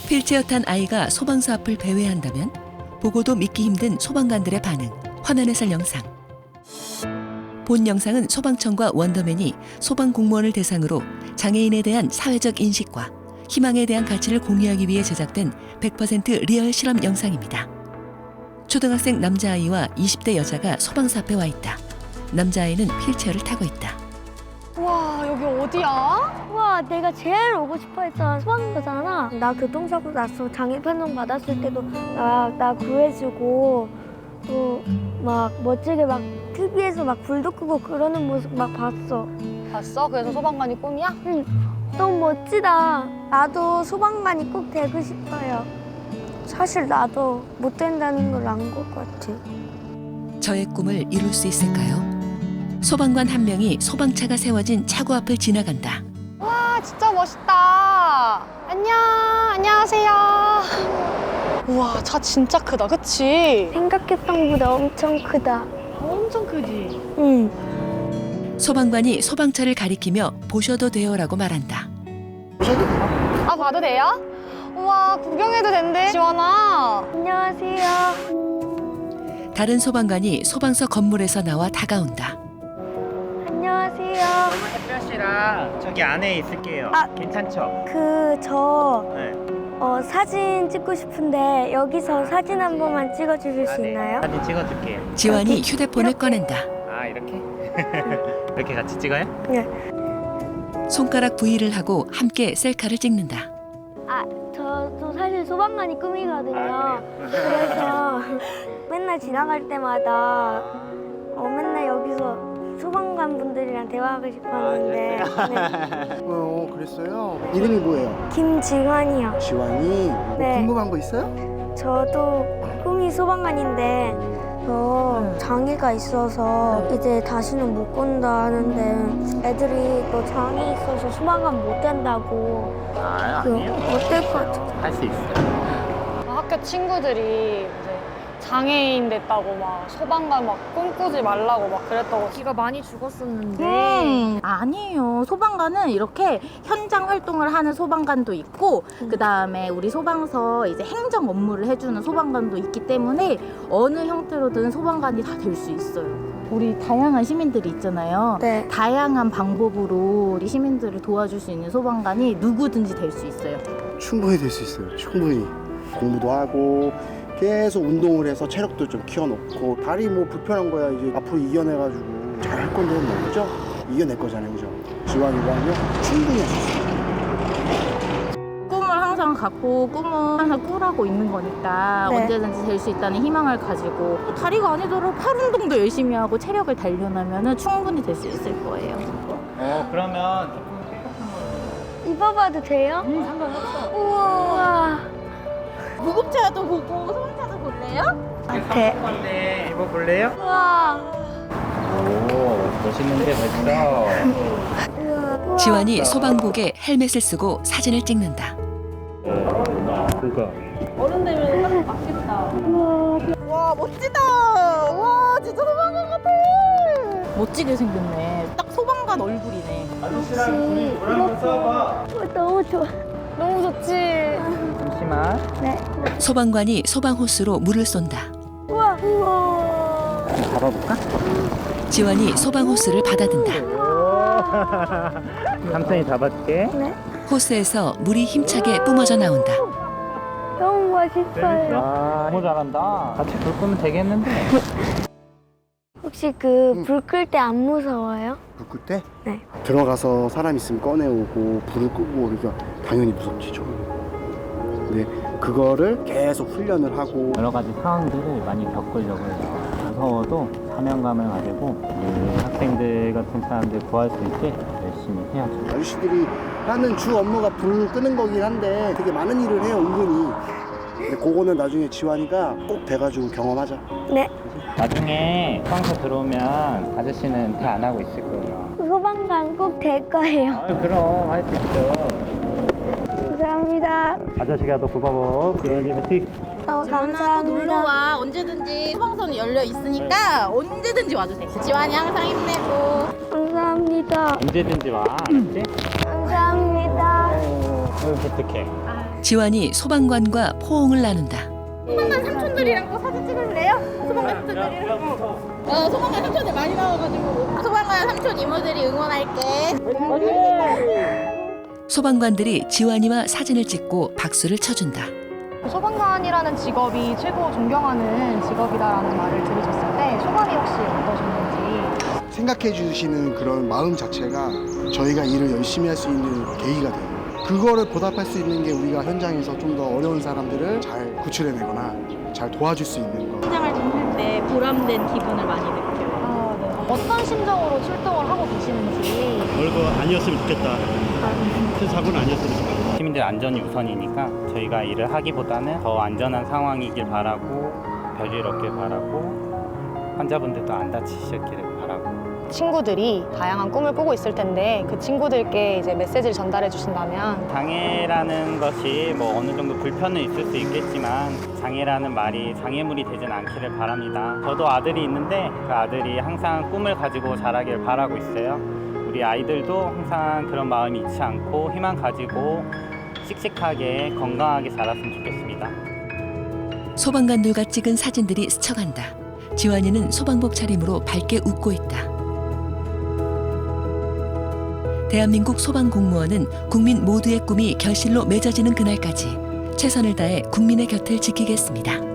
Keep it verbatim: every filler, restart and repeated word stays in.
휠체어 탄 아이가 소방서 앞을 배회한다면 보고도 믿기 힘든 소방관들의 반응, 화면에서 영상. 본 영상은 소방청과 원더맨이 소방 공무원을 대상으로 장애인에 대한 사회적 인식과 희망에 대한 가치를 공유하기 위해 제작된 백 퍼센트 리얼 실험 영상입니다. 초등학생 남자아이와 이십 대 여자가 소방서 앞에 와 있다. 남자아이는 휠체어를 타고 있다. 와, 여기 어디야? 와, 내가 제일 오고 싶어 했던 소방서잖아. 나 교통사고 났어. 장애 판정 받았을 때도 나, 나 구해주고 또 막 멋지게 막 티비에서 막 불도 끄고 그러는 모습 막 봤어. 봤어? 그래서 소방관이 꿈이야? 응, 너무 멋지다. 나도 소방관이 꼭 되고 싶어요. 사실 나도 못 된다는 걸 안 것 같아. 저의 꿈을 이룰 수 있을까요? 소방관 한 명이 소방차가 세워진 차고 앞을 지나간다. 와, 진짜 멋있다. 안녕, 안녕하세요. 우와, 차 진짜 크다, 그치? 생각했던 것보다 엄청 크다. 엄청 크지? 응. 소방관이 소방차를 가리키며 보셔도 돼요라고 말한다. 아, 봐도 돼요? 우와, 구경해도 된대. 지원아. 안녕하세요. 다른 소방관이 소방서 건물에서 나와 다가온다. 안녕하세요. 햇볕이랑 저기 안에 있을게요. 아. 괜찮죠? 그 저 네. 어, 사진 찍고 싶은데 여기서 사진 한 번만 찍어주실 아, 수 네. 있나요? 사진 찍어줄게요. 지환이 휴대폰을 이렇게? 꺼낸다. 아 이렇게? 이렇게 같이 찍어요? 네. 손가락 부위를 하고 함께 셀카를 찍는다. 아, 저도 사실 소방관이 꿈이거든요. 아, 그래서 맨날 지나갈 때마다 어, 맨날 여기서 소방관 분들이랑 대화하고 싶었는데 네. 어, 그랬어요? 이름이 뭐예요? 김지환이요. 지환이? 뭐 네. 궁금한 거 있어요? 저도 꿈이 소방관인데 저 장애가 있어서 이제 다시는 못 건다 하는데 애들이 너 장애 있어서 소방관 못 된다고 아 그 아니에요. 못 될 것 같아. 할 수 있어요. 학교 친구들이 이제 장애인 됐다고 막 소방관 막 꿈꾸지 말라고 막 그랬다고. 기가 많이 죽었었는데 음, 아니에요. 소방관은 이렇게 현장 활동을 하는 소방관도 있고 그 다음에 우리 소방서 이제 행정 업무를 해주는 소방관도 있기 때문에 어느 형태로든 소방관이 다 될 수 있어요. 우리 다양한 시민들이 있잖아요. 네. 다양한 방법으로 우리 시민들을 도와줄 수 있는 소방관이 누구든지 될 수 있어요. 충분히 될 수 있어요. 충분히. 공부도 하고 계속 운동을 해서 체력도 좀 키워놓고 다리 뭐 불편한 거야 이제 앞으로 이겨내가지고 잘 할 건데 뭐 그죠? 이겨낼 거잖아요, 그죠? 지환이가 하면 충분히 할 수 있어요. 꿈을 항상 갖고 꿈은 항상 꾸라고 있는 거니까 네. 언제든지 될 수 있다는 희망을 가지고 다리가 아니더라도 팔 운동도 열심히 하고 체력을 단련하면 충분히 될 수 있을 거예요. 어 그러면 조금 입어봐도 돼요? 음, 상관없어. 우와. 무급차도 보고 소방차도 볼래요? 아, 돼. 건데 입어 볼래요? 우와. 오 멋있는데 벌써. 우와. 지환이 소방복에 헬멧을 쓰고 사진을 찍는다. 그거. 와 멋지다. 와 진짜 소방관 같아. 멋지게 생겼네. 딱 소방관 얼굴이네. 아저씨랑 둘이 노란색 싸워봐. 어, 너무 좋아. 너무 좋지. 잠시만. 네. 소방관이 소방호스로 물을 쏜다. 우와. 우와. 잡아볼까? 지환이 소방호스를 받아든다. 삼촌이 잡아줄게. 네. 호스에서 물이 힘차게 뿜어져 나온다. 너무 멋있어요. 와 너무 잘한다. 같이 불 끄면 되겠는데. 혹시 그 불 끌 때 안 무서워요? 불 끌 때? 네. 들어가서 사람 있으면 꺼내오고 불을 끄고 그러니까 당연히 무섭지죠. 근데 그거를 계속 훈련을 하고 여러 가지 상황들을 많이 겪으려고 해요. 무서워도 사명감을 가지고 이 학생들 같은 사람들 구할 수 있게 열심히 해야죠. 아저씨들이 하는 주 업무가 불 끄는 거긴 한데 되게 많은 일을 해요, 은근히. 근데 그거는 나중에 지환이가 꼭 돼가지고 경험하자. 네. 나중에 소방서 들어오면 아저씨는 대 안 하고 있을 거예요. 소방관 꼭 될 거예요. 아 그럼 할 수 있죠. 감사합니다. 아저씨가 더 고마워. 그러니 화이팅. 어, 또 감사합니다. 놀러 와. 언제든지 소방서는 열려 있으니까 언제든지 와주세요. 지환이 항상 힘내고. 감사합니다. 언제든지 와. 알았지? 감사합니다. 어, 어떡해. 아, 지환이 소방관과 포옹을 나눈다. 삼촌들이랑 사진 찍을래요? 소방관 삼촌들이랑. 어, 소방관 삼촌들 많이 나와가지고. 소방관 삼촌 이모들이 응원할게. 소방관들이 지환이와 사진을 찍고 박수를 쳐준다. 소방관이라는 직업이 최고 존경하는 직업이다라는 말을 들으셨을 때 소감이 혹시 어떠셨는지. 생각해 주시는 그런 마음 자체가 저희가 일을 열심히 할 수 있는 계기가 돼요. 그거를 보답할 수 있는 게 우리가 현장에서 좀 더 어려운 사람들을 잘 구출해내거나 잘 도와줄 수 있는 거. 현장을 좀 할 때 보람된 기분을 많이 느껴요. 아, 네. 어떤 심정으로 출동을 하고 계시는지. 별거 아니었으면 좋겠다. 큰 사고는 아니었으면 좋겠다. 시민들 안전이 우선이니까 저희가 일을 하기보다는 더 안전한 상황이길 바라고 별일 없길 바라고 환자분들도 안 다치셨기를 바라고. 친구들이 다양한 꿈을 꾸고 있을 텐데 그 친구들께 이제 메시지를 전달해 주신다면. 장애라는 것이 뭐 어느 정도 불편은 있을 수 있겠지만 장애라는 말이 장애물이 되진 않기를 바랍니다. 저도 아들이 있는데 그 아들이 항상 꿈을 가지고 자라길 바라고 있어요. 우리 아이들도 항상 그런 마음이 잃지 않고 희망 가지고 씩씩하게 건강하게 자랐으면 좋겠습니다. 소방관들과 찍은 사진들이 스쳐간다. 지환이는 소방복 차림으로 밝게 웃고 있다. 대한민국 소방공무원은 국민 모두의 꿈이 결실로 맺어지는 그날까지 최선을 다해 국민의 곁을 지키겠습니다.